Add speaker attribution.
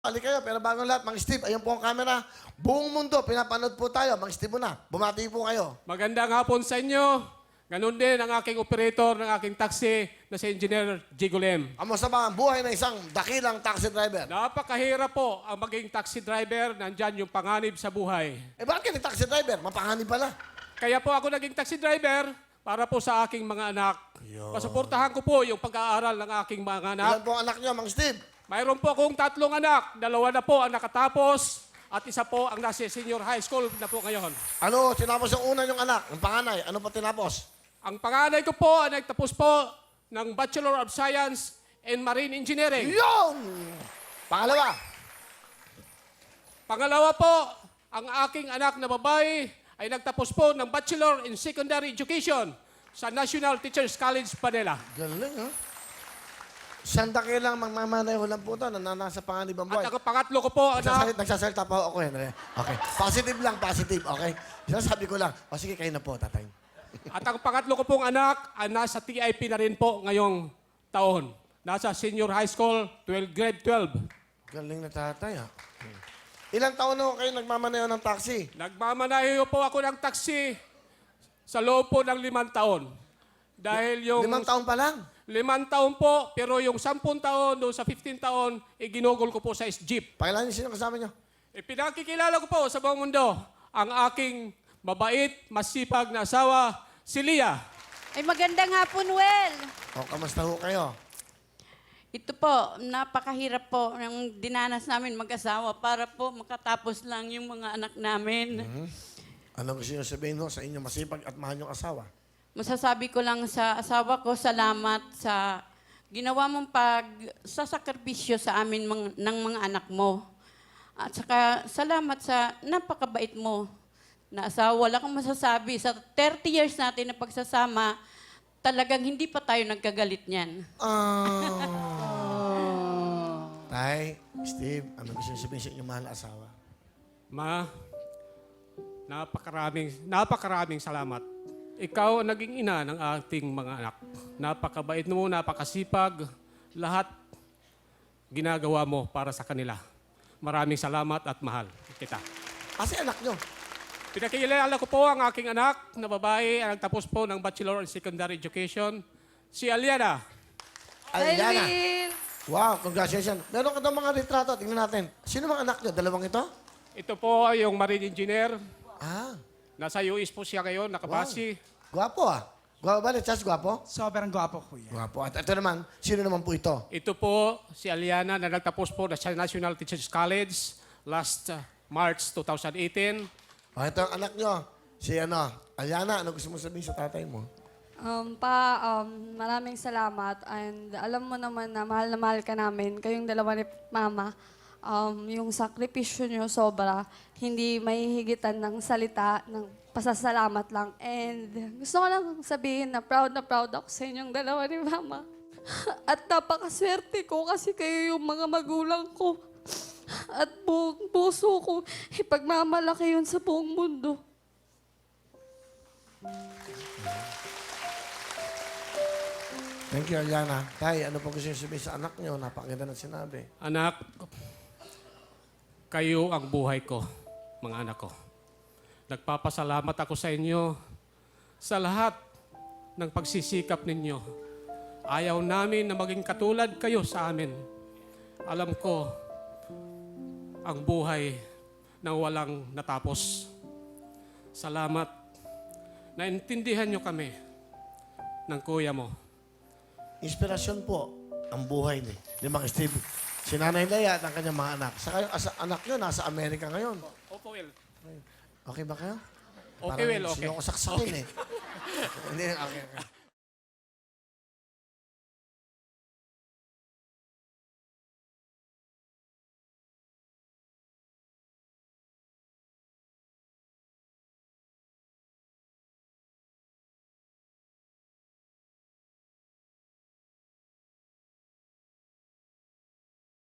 Speaker 1: Balik kayo, pero bago lahat, Mang Steve, ayun po ang camera. Buong mundo, pinapanood po tayo. Mang Steve muna, bumati po kayo.
Speaker 2: Magandang hapon sa inyo. Ganun din ang aking operator ng aking taxi na si Engineer Jigolem.
Speaker 1: Kamusta ba ang buhay ng isang dakilang taxi driver?
Speaker 2: Napakahirap po ang maging taxi driver. Nandyan yung panganib sa buhay.
Speaker 1: Eh bakit ka taxi driver? Mapanganib pala.
Speaker 2: Kaya po ako naging taxi driver para po sa aking mga anak.
Speaker 1: Yun.
Speaker 2: Pasuportahan ko po yung pag-aaral ng aking mga anak.
Speaker 1: Ilan po ang anak niyo, Mang Steve?
Speaker 2: Mayroon po akong 3 anak. 2 na po ang nakatapos at isa po ang nasa senior high school na po ngayon.
Speaker 1: Ano, tinapos yung una yung anak, yung panganay. Ano pa tinapos?
Speaker 2: Ang panganay ko po ay nagtapos po ng Bachelor of Science in Marine Engineering.
Speaker 1: Yung! Pangalawa.
Speaker 2: Pangalawa po, ang aking anak na babae ay nagtapos po ng Bachelor in Secondary Education sa National Teachers College, Manila.
Speaker 1: Galing, ha? Sandakilang magmamanayo lang po ito na nasa panganib ang buhay.
Speaker 2: At ang pangatlo ko po, anak,
Speaker 1: Nagsasalita pa ako, Henry. Okay. Positive lang, positive. Okay? Sinasabi ko lang. O sige, kayo na po, tatay.
Speaker 2: at ang pangatlo ko pong anak ay nasa TIP na rin po ngayong taon. Nasa senior high school, grade 12.
Speaker 1: Galing na tatay, ha? Ilang taon na kayo nagmamanayo ng taxi?
Speaker 2: Nagmamanayo po ako ng taxi sa loob po ng 5 taon. Dahil yung
Speaker 1: 5 taon pa lang?
Speaker 2: 5 taon po, pero yung 10 taon, doon sa 15 taon, ginugol ko po sa jeep.
Speaker 1: Pakilala niyo sino kasama niyo?
Speaker 2: Pinakikilala ko po sa buong mundo ang aking mabait, masipag na asawa, si Lia.
Speaker 3: Ay, magandang hapon, Well.
Speaker 1: O, kamusta ho kayo?
Speaker 3: Ito po, napakahirap po ng dinanas namin mag-asawa para po makatapos lang yung mga anak namin.
Speaker 1: Ano gusto niyo sabihin ho sa inyo masipag at mahal niyong asawa?
Speaker 3: Masasabi ko lang sa asawa ko, salamat sa ginawa mong pagsasakripisyo sa amin ng mga anak mo. At saka salamat sa napakabait mo na asawa. Wala kang masasabi. Sa 30 years natin na pagsasama, talagang hindi pa tayo nagkagalit niyan.
Speaker 1: Tay, Steve, ano gusto niyo sabihin sa inyong mahal na asawa?
Speaker 2: Ma, napakaraming salamat. Ikaw ang naging ina ng ating mga anak. Napakabait mo, napakasipag. Lahat ginagawa mo para sa kanila. Maraming salamat at mahal kita.
Speaker 1: Kasi anak niyo.
Speaker 2: Pinakilala ko po ang aking anak na babae ang nagtapos po ng Bachelor in Secondary Education, si Aliana.
Speaker 1: Aliana. Wow, congratulations. Meron ka daw mga retrato. Tingnan natin. Sino mga anak niyo? Dalawang ito?
Speaker 2: Ito po yung Marine Engineer.
Speaker 1: Ah,
Speaker 2: Nasa US po siya ngayon, nakabasi.
Speaker 1: gwapo ah. Gwapo ba? Chas, gwapo?
Speaker 4: Sobrang gwapo, kuya.
Speaker 1: Gwapo. At ito naman, sino naman po ito?
Speaker 2: Ito po si Aliana na nagtapos po sa National Teachers College last March 2018.
Speaker 1: O, ito ang anak niyo. Si Aliana, ano gusto mo sabihin sa tatay mo?
Speaker 5: Maraming salamat and alam mo naman na mahal ka namin. Kayong dalawa ni Mama, yung sakripisyo nyo sobra. Hindi mahihigitan ng salita, ng pasasalamat lang. And gusto ko lang sabihin na proud ako sa inyong dalawa ni Mama. At napakaswerte ko kasi kayo yung mga magulang ko. At buong puso ko, ipagmamalaki yun sa buong mundo.
Speaker 1: Thank you, Aliana. Tay, ano po gusto niyo sabihin sa anak niyo? Napakaganda ng sinabi.
Speaker 2: Anak, kayo ang buhay ko, mga anak ko. Nagpapasalamat ako sa inyo sa lahat ng pagsisikap ninyo. Ayaw namin na maging katulad kayo sa amin. Alam ko, ang buhay na walang natapos. Salamat. Naintindihan nyo kami ng kuya mo.
Speaker 1: Inspirasyon po ang buhay ni Mang Steve. Si Nanay Leia at ang kanyang mga anak. Saka yung anak niyo nasa Amerika ngayon.
Speaker 2: Opo, Will.
Speaker 1: Okay ba kayo?
Speaker 2: Okay, Will, okay.
Speaker 1: Sinong saksakin eh. Hindi, okay.